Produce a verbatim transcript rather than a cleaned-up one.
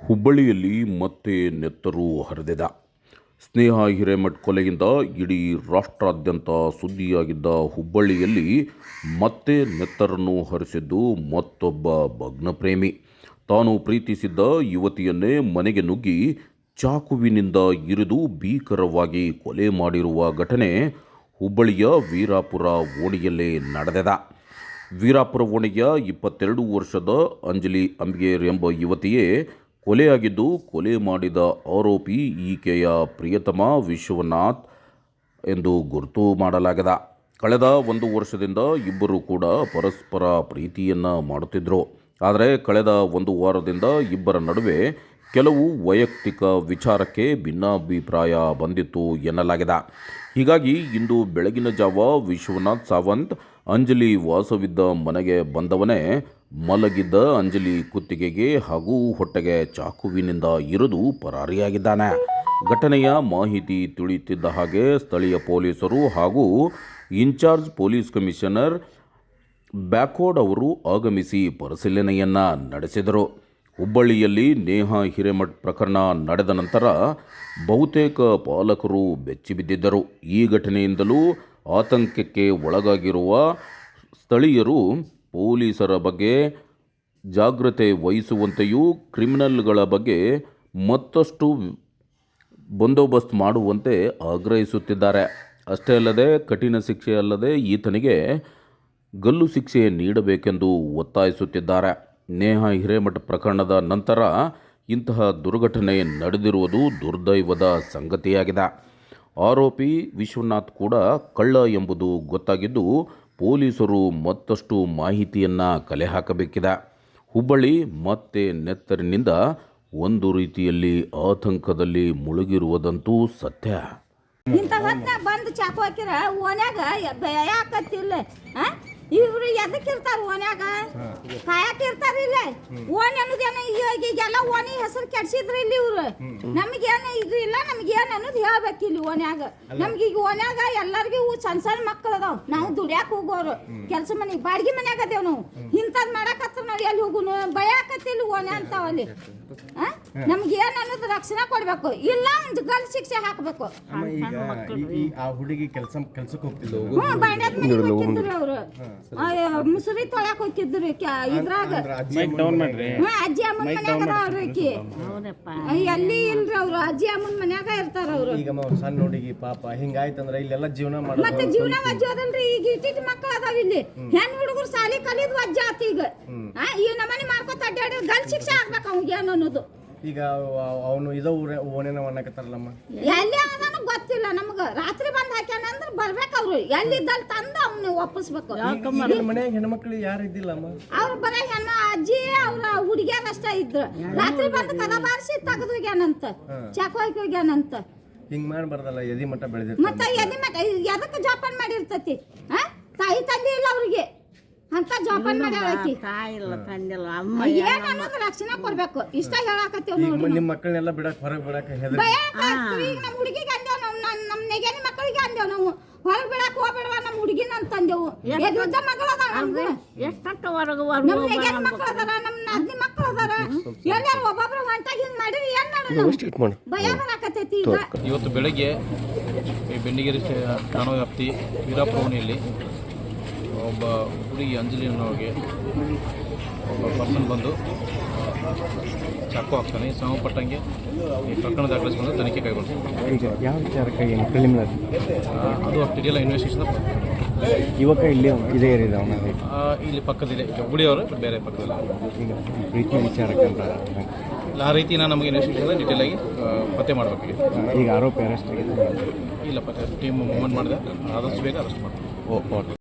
ಹುಬ್ಬಳ್ಳಿಯಲ್ಲಿ ಮತ್ತೆ ನೆತ್ತರು ಹರಿದಿದ ಸ್ನೇಹ ಹಿರೇಮಠ್ ಕೊಲೆಯಿಂದ ಇಡೀ ರಾಷ್ಟ್ರಾದ್ಯಂತ ಸುದ್ದಿಯಾಗಿದ್ದ ಹುಬ್ಬಳ್ಳಿಯಲ್ಲಿ ಮತ್ತೆ ನೆತ್ತರನ್ನು ಹರಿಸಿದ್ದು ಮತ್ತೊಬ್ಬ ಭಗ್ನಪ್ರೇಮಿ. ತಾನು ಪ್ರೀತಿಸಿದ್ದ ಯುವತಿಯನ್ನೇ ಮನೆಗೆ ನುಗ್ಗಿ ಚಾಕುವಿನಿಂದ ಇರಿದು ಭೀಕರವಾಗಿ ಕೊಲೆ ಮಾಡಿರುವ ಘಟನೆ ಹುಬ್ಬಳ್ಳಿಯ ವೀರಾಪುರ ಓಣಿಯಲ್ಲೇ ನಡೆದಿದೆ. ವೀರಾಪುರ ಓಣಿಯ ಇಪ್ಪತ್ತೆರಡು ವರ್ಷದ ಅಂಜಲಿ ಅಂಬಿಗೇರ್ ಎಂಬ ಯುವತಿಯೇ ಕೊಲೆಯಾಗಿದ್ದು, ಕೊಲೆ ಮಾಡಿದ ಆರೋಪಿ ಈಕೆಯ ಪ್ರಿಯತಮ ವಿಶ್ವನಾಥ್ ಎಂದು ಗುರುತು ಮಾಡಲಾಗಿದೆ. ಕಳೆದ ಒಂದು ವರ್ಷದಿಂದ ಇಬ್ಬರು ಕೂಡ ಪರಸ್ಪರ ಪ್ರೀತಿಯನ್ನು ಮಾಡುತ್ತಿದ್ದರು. ಆದರೆ ಕಳೆದ ಒಂದು ವಾರದಿಂದ ಇಬ್ಬರ ನಡುವೆ ಕೆಲವು ವೈಯಕ್ತಿಕ ವಿಚಾರಕ್ಕೆ ಭಿನ್ನಾಭಿಪ್ರಾಯ ಬಂದಿತ್ತು ಎನ್ನಲಾಗಿದೆ. ಹೀಗಾಗಿ ಇಂದು ಬೆಳಗಿನ ಜಾವ ವಿಶ್ವನಾಥ್ ಸಾವಂತ್ ಅಂಜಲಿ ವಾಸವಿದ್ದ ಮನೆಗೆ ಬಂದವನೇ ಮಲಗಿದ್ದ ಅಂಜಲಿ ಕುತ್ತಿಗೆಗೆ ಹಾಗೂ ಹೊಟ್ಟೆಗೆ ಚಾಕುವಿನಿಂದ ಇರಿದು ಪರಾರಿಯಾಗಿದ್ದಾನೆ. ಘಟನೆಯ ಮಾಹಿತಿ ತಿಳಿಯುತ್ತಿದ್ದ ಹಾಗೆ ಸ್ಥಳೀಯ ಪೊಲೀಸರು ಹಾಗೂ ಇನ್ಚಾರ್ಜ್ ಪೊಲೀಸ್ ಕಮಿಷನರ್ ಬ್ಯಾಕೋಡ್ ಅವರು ಆಗಮಿಸಿ ಪರಿಶೀಲನೆಯನ್ನು ನಡೆಸಿದರು. ಹುಬ್ಬಳ್ಳಿಯಲ್ಲಿ ನೇಹ ಹಿರೇಮಠ್ ಪ್ರಕರಣ ನಡೆದ ನಂತರ ಬಹುತೇಕ ಪಾಲಕರು ಬೆಚ್ಚಿಬಿದ್ದಿದ್ದರು. ಈ ಘಟನೆಯಿಂದಲೂ ಆತಂಕಕ್ಕೆ ಒಳಗಾಗಿರುವ ಸ್ಥಳೀಯರು ಪೊಲೀಸರ ಬಗ್ಗೆ ಜಾಗ್ರತೆ ವಹಿಸುವಂತೆಯೂ ಕ್ರಿಮಿನಲ್ಗಳ ಬಗ್ಗೆ ಮತ್ತಷ್ಟು ಬಂದೋಬಸ್ತ್ ಮಾಡುವಂತೆ ಆಗ್ರಹಿಸುತ್ತಿದ್ದಾರೆ. ಅಷ್ಟೇ ಅಲ್ಲದೆ ಕಠಿಣ ಶಿಕ್ಷೆ ಅಲ್ಲದೆ ಈತನಿಗೆ ಗಲ್ಲು ಶಿಕ್ಷೆ ನೀಡಬೇಕೆಂದು ಒತ್ತಾಯಿಸುತ್ತಿದ್ದಾರೆ. ನೇಹ ಹಿರೇಮಠ್ ಪ್ರಕರಣದ ನಂತರ ಇಂತಹ ದುರ್ಘಟನೆ ನಡೆದಿರುವುದು ದುರ್ದೈವದ ಸಂಗತಿಯಾಗಿದೆ. ಆರೋಪಿ ವಿಶ್ವನಾಥ್ ಕೂಡ ಕಳ್ಳ ಎಂಬುದು ಗೊತ್ತಾಗಿದ್ದು, ಪೊಲೀಸರು ಮತ್ತಷ್ಟು ಮಾಹಿತಿಯನ್ನು ಕಲೆ ಹಾಕಬೇಕಿದೆ. ಹುಬ್ಬಳ್ಳಿ ಮತ್ತೆ ನೆತ್ತರಿನಿಂದ ಒಂದು ರೀತಿಯಲ್ಲಿ ಆತಂಕದಲ್ಲಿ ಮುಳುಗಿರುವುದಂತೂ ಸತ್ಯ. ಇಂಥ ಹೊತ್ನಾಗ ಬಂದು ಚಾಕು ಹಾಕಿರ ಓನ್ಯಾಗ ಯಾಕತ್ತಿಲ್ಲ. ಇವ್ರು ಎದಕ್ಕಿರ್ತಾರ ಓನ್ಯಾಗ ಕಾಯಕಿರ್ತಾರ. ಇಲ್ಲ ಓಣಿ ಅನ್ನೋದೇನು ಈಗೆಲ್ಲ ಓಣಿ ಹೆಸರು ಕೆಡ್ಸಿದ್ರು ಇಲ್ಲಿ ಇವ್ರು. ನಮಗೇನು ಇದು ಇಲ್ಲ, ನಮ್ಗೇನು ಅನ್ನೋದು ಹೇಳ್ಬೇಕು ಇಲ್ಲಿ ಓನ್ಯಾಗ. ನಮ್ಗೆ ಈಗ ಓನ್ಯಾಗ ಎಲ್ಲರಿಗೂ ಸಣ್ಣ ಸಣ್ಣ ಮಕ್ಕಳು ಅದಾವ. ನಾವು ದುಡ್ಯಾಕ ಹೋಗೋರು, ಕೆಲಸ ಮನೆಗೆ ಬಾಡಿಗೆ ಮನ್ಯಾಗ ಅದೇವ್ ನಾವು. ಇಂಥದ್ದು ಮಾಡಕತ್ರ ನಾವು ಎಲ್ಲಿ ಹೋಗುನು ಭಯಾಕತ್ತಿಲ್ಲ ಓಣ್ಯ ಅಂತಾವಲ್ಲಿ. ನಮ್ಗೆ ಏನ್ ಅನ್ನೋದು ರಕ್ಷಣೆ ಕೊಡ್ಬೇಕು, ಇಲ್ಲ ಒಂದು ಗಲ್ ಶಿಕ್ಷೆ ಹಾಕ್ಬೇಕು. ಹುಡುಗಿ ಕೆಲಸ ಕೆಲ್ಸಕ್ಕೆ ಹೋಗ್ತಿದ್ರು, ಅವ್ರು ಮುಸುರಿ ತೊಳ್ಯಾಕ ಹೋಗಿದ್ರು ಇದ್ರಾಗ. ಅಜ್ಜಿ ಅಮ್ಮನ ಮನ್ಯಾಗ ಅವ್ರಕಿ ಎಲ್ಲಿ ಇಲ್ರಿ ಅವ್ರು, ಅಜ್ಜಿ ಅಮ್ಮನ ಮನ್ಯಾಗ ಇರ್ತಾರ ಅವ್ರು. ಈಗ ಸಣ್ಣ ಹುಡುಗಿ ಪಾಪ ಹಿಂಗಾಯ್ತಂದ್ರ ಇಲ್ಲೆಲ್ಲ ಜೀವನ ಮಾಡ ಮತ್ತೆ ಜೀವನ ವಜ್ಜ ಅದಲ್ರಿ. ಈಗ ಇಟ್ಟಿಟ್ಟು ಮಕ್ಕಳು ಅದಾವ ಇಲ್ಲಿ, ಹೆಣ್ ಹುಡುಗರು ಸಾಲಿ ಕಲಿದ್ ವಜ್ಜ ಆತ. ಈಗ ಈ ನಮ್ಮನೆ ಮಾಡ್ಕೊತ ಅಡ್ಡಾಡಿ ಗಲ್ ಶಿಕ್ಷೆ ಆಗ್ಬೇಕು ಅವ್ಗೆ ಏನು ಅನ್ನೋದು. ಈಗ ಅವನು ಇದ ಓನೇನ ಅನ್ನಕತ್ತಾರಲ್ಲಮ್ಮ, ಎಲ್ಲಿ ಅದನ್ನು ಗೊತ್ತಿಲ್ಲ ನಮ್ಗ. ರಾತ್ರಿ ಬಂದ್ ಹಾಕ್ಯಾನ ಅಂದ್ರೆ ಬರ್ಬೇಕು ಅವ್ರು. ಎಲ್ಲಿದ್ದಲ್ಲಿ ತಂದು ಅವ್ನ ಒಪ್ಪಿಸ್ಬೇಕು. ಮನ್ಯಾಗ ಹೆಣ್ಮಕ್ಳು ಯಾರು ಇದ್ದಿಲ್ಲಮ್ಮ, ಅವ್ರು ಬರ ಹೆಣ್ಣ ಅಜ್ಜಿ ಅವ್ರ ಹುಡುಗಿಯಾರ ಅಷ್ಟ ಇದ್ರು. ರಾತ್ರಿ ಬಂದು ಕದ ಬಾರಿಸಿ ತೆಗೆದು ಹೋಗ್ಯಾನಂತ, ಚಾಕು ಹಾಕಿ ಹೋಗ್ಯಾನಂತ. ಹಿಂಗ್ ಮಾಡ್ಬಾರ್ದಲ್ಲ, ಎದಿ ಮಟ್ಟ ಬೆಳೆದಿರ್ತ. ಮತ್ತೆ ಎದಿ ಮಟ್ಟ ಎದಕ್ಕೆ ಜೋಪಾನ ಮಾಡಿರ್ತತಿ? ತಾಯಿ ತಂದೆ ಇಲ್ಲ ಅವ್ರಿಗೆ ಅಂತ ಜೋಪಾನ ಮಾಡ್ಯಾಳಕಿ. ಏನ್ ಅನ್ನೋದು ರಕ್ಷಣೆ ಕೊಡ್ಬೇಕು. ಇಷ್ಟ ಹೇಳಾಕತ್ತೀವಿ ನೋಡಿ. ನಿಮ್ ಮಕ್ಕಳನ್ನೆಲ್ಲ ಬಿಡಕ್ ಹೊರಗೆ ಬಿಡಕ್ ಈಗ ನಮ್ಮ ಹುಡುಗಿಗೆ ಅಂದೇವ್ ನಾವು, ನಮ್ಮ ನೆಗೆನಿ ಮಕ್ಕಳಿಗೆ ಅಂದೇವ್ ನಾವು ಹೊರಗೆ ಬಿಡಕ್ ಹೋಗ್ಬೇಡವಾ ನಮ್ಮ ಹುಡುಗಿನ ಅಂತಂದೇವು. ಎದ್ದ ಮಕ್ಕಳು ಅದಾವ ನಮ್ಗೆ, ನಮ್ಮ ನೆಗೆನಿ ಮಕ್ಕಳು ಅದಾರ, ನಮ್ಮ ನಾದಿನಿ ಮಕ್ಕಳು ಅದಾರ. ಎಲ್ಲಾರು ಒಬ್ಬೊಬ್ರು ಹೊಂಟಾಗಿ ಹಿಂಗ್ ಮಾಡಿರಿ ಏನ್ ಮಾಡೋಣ? ಭಯ ಬರಾಕತ್ತೈತಿ ಈಗ. ಇವತ್ತು ಬೆಳಗ್ಗೆ ಈ ಬೆಂಡಿಗೇರಿ ಠಾಣಾ ವ್ಯಾಪ್ತಿ ವೀರಾಪುರ ಓಣಿಯಲ್ಲಿ ಒಬ್ಬ ಹುಡುಗಿ ಅಂಜಲಿ ಅನ್ನೋರಿಗೆ ಒಬ್ಬ ಪರ್ಸನ್ ಬಂದು ಚಾಕು ಹಾಕ್ತಾನೆ. ಸಂಬಂಧಪಟ್ಟಂಗೆ ಈ ಪ್ರಕರಣ ದಾಖಲಿಸಿಕೊಂಡು ತನಿಖೆ ಕೈಗೊಳ್ತಾರೆ. ಯಾವ ವಿಚಾರಕ್ಕೆ ಏನು ಪ್ರಿಲಿಮಿನರಿ ಅದು ಅಷ್ಟಿದೆಯಲ್ಲ ಇನ್ವೆಸ್ಟಿಗೇಷನ್. ಯುವಕ ಇಲ್ಲಿ ಇದೇ ಏರಿಯಾ ಇಲ್ಲಿ ಪಕ್ಕದಿದೆ ಹುಬ್ಬಳ್ಳಿಯವರು, ಬೇರೆ ಪಕ್ಕದಲ್ಲಿ ಪ್ರೀತಿ ವಿಚಾರಕ್ಕೆ ಆ ರೀತಿನ ನಮಗೆ ಇನ್ವೆಸ್ಟಿಗೇಷನ್ ಡೀಟೇಲ್ ಆಗಿ ಪತ್ತೆ ಮಾಡಬೇಕು. ಈಗ ಆರೋಪಿ ಅರೆಸ್ಟ್ ಆಗಿದೆ ಇಲ್ಲ, ಪತ್ತೆ ಟೀಮ್ ಮೂವ್ಮೆಂಟ್ ಮಾಡಿದೆ, ಆದಷ್ಟು ಬೇಗ ಅರೆಸ್ಟ್ ಮಾಡ್ತೀವಿ. Oh okay.